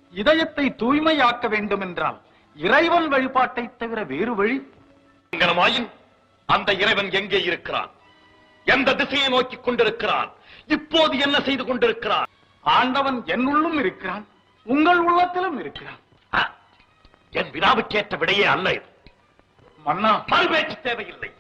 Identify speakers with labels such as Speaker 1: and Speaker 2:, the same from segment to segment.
Speaker 1: இதயத்தை தூய்மையாக்க வேண்டும் என்றால் இறைவன் வழிபாட்டை தவிர வேறு வழி
Speaker 2: அந்த இறைவன் எங்கே இருக்கிறான்? எந்த திசையை நோக்கி கொண்டிருக்கிறான்? இப்போது என்ன செய்து கொண்டிருக்கிறான்?
Speaker 1: ஆண்டவன் என்னுள்ளும் இருக்கிறான், உங்கள் உள்ளத்திலும் இருக்கிறான்.
Speaker 2: என் வினாவுக்கேற்ற விடையே அல்ல இது.
Speaker 1: மன்னா,
Speaker 2: மறுபேச்சு தேவையில்லை.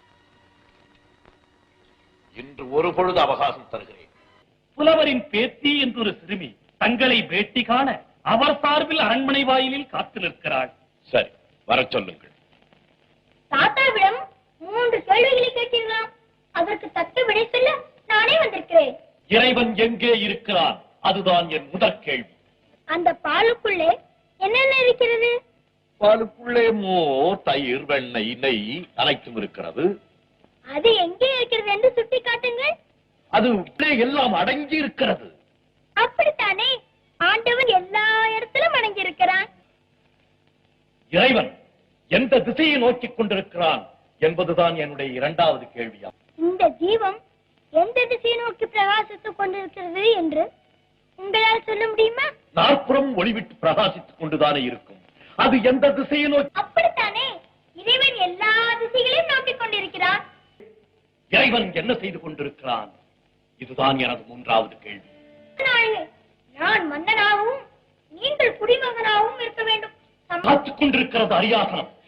Speaker 2: இன்று ஒரு பொழுது அவகாசம் தருகிறேன்.
Speaker 3: புலவரின் பேத்தி என்றொரு சிறுமி தங்களை பேட்டி காண அவர் சார்பில் அரண்மனை வாயிலில் காத்து நிற்கிறாள்.
Speaker 2: சரி, வர சொல்லுங்கள்.
Speaker 4: தாத்தாவிடம் 3 கேள்விகளை கேட்டீர்களாம். அதற்கு தக்க விடை சொல்ல நானே வந்திருக்கிறேன்.
Speaker 3: இறைவன் எங்கே இருக்கிறான்? அதுதான் என் முதற் கேள்வி.
Speaker 4: அந்த பாலுக்குள்ளே என்னென்ன இருக்கிறது?
Speaker 3: பாலுக்குள்ளே மோர், தயிர், வெண்ணெய், நெய் அனைத்தும் இருக்கிறது.
Speaker 4: அது எங்கே இருக்கிறது என்று சுட்டி காட்டுங்கள்.
Speaker 3: அது எல்லாம் அடங்கி இருக்கிறது.
Speaker 4: அப்படித்தானே, ஆண்டவன் எல்லா இடத்திலும் அடங்கி இருக்கிறான்.
Speaker 3: இறைவன் எந்த திசையை நோக்கிக் கொண்டிருக்கிறான் என்பதுதான் என்னுடைய 2வது கேள்வியா.
Speaker 4: இந்த ஜீவம் எந்த திசையை நோக்கி பிரகாசித்துக் கொண்டிருக்கிறது என்று உங்களால் சொல்ல முடியுமா?
Speaker 3: 4 புறம் ஒளிவிட்டு பிரகாசித்துக் கொண்டுதானே இருக்கும். அது எந்த திசையை நோக்கி?
Speaker 4: அப்படித்தானே, இறைவன் எல்லா திசைகளையும் நோக்கிக் கொண்டிருக்கிறான்.
Speaker 3: இறைவன் என்ன செய்து கொண்டிருக்கிறான்? இதுதான் எனது 3வது கேள்வி.
Speaker 4: நான் மன்னனாகவும் நீங்கள் குடிமகனாகவும் இருக்க வேண்டும்.
Speaker 3: காத்துக் கொண்டிருக்கிறது அரியாசனம்.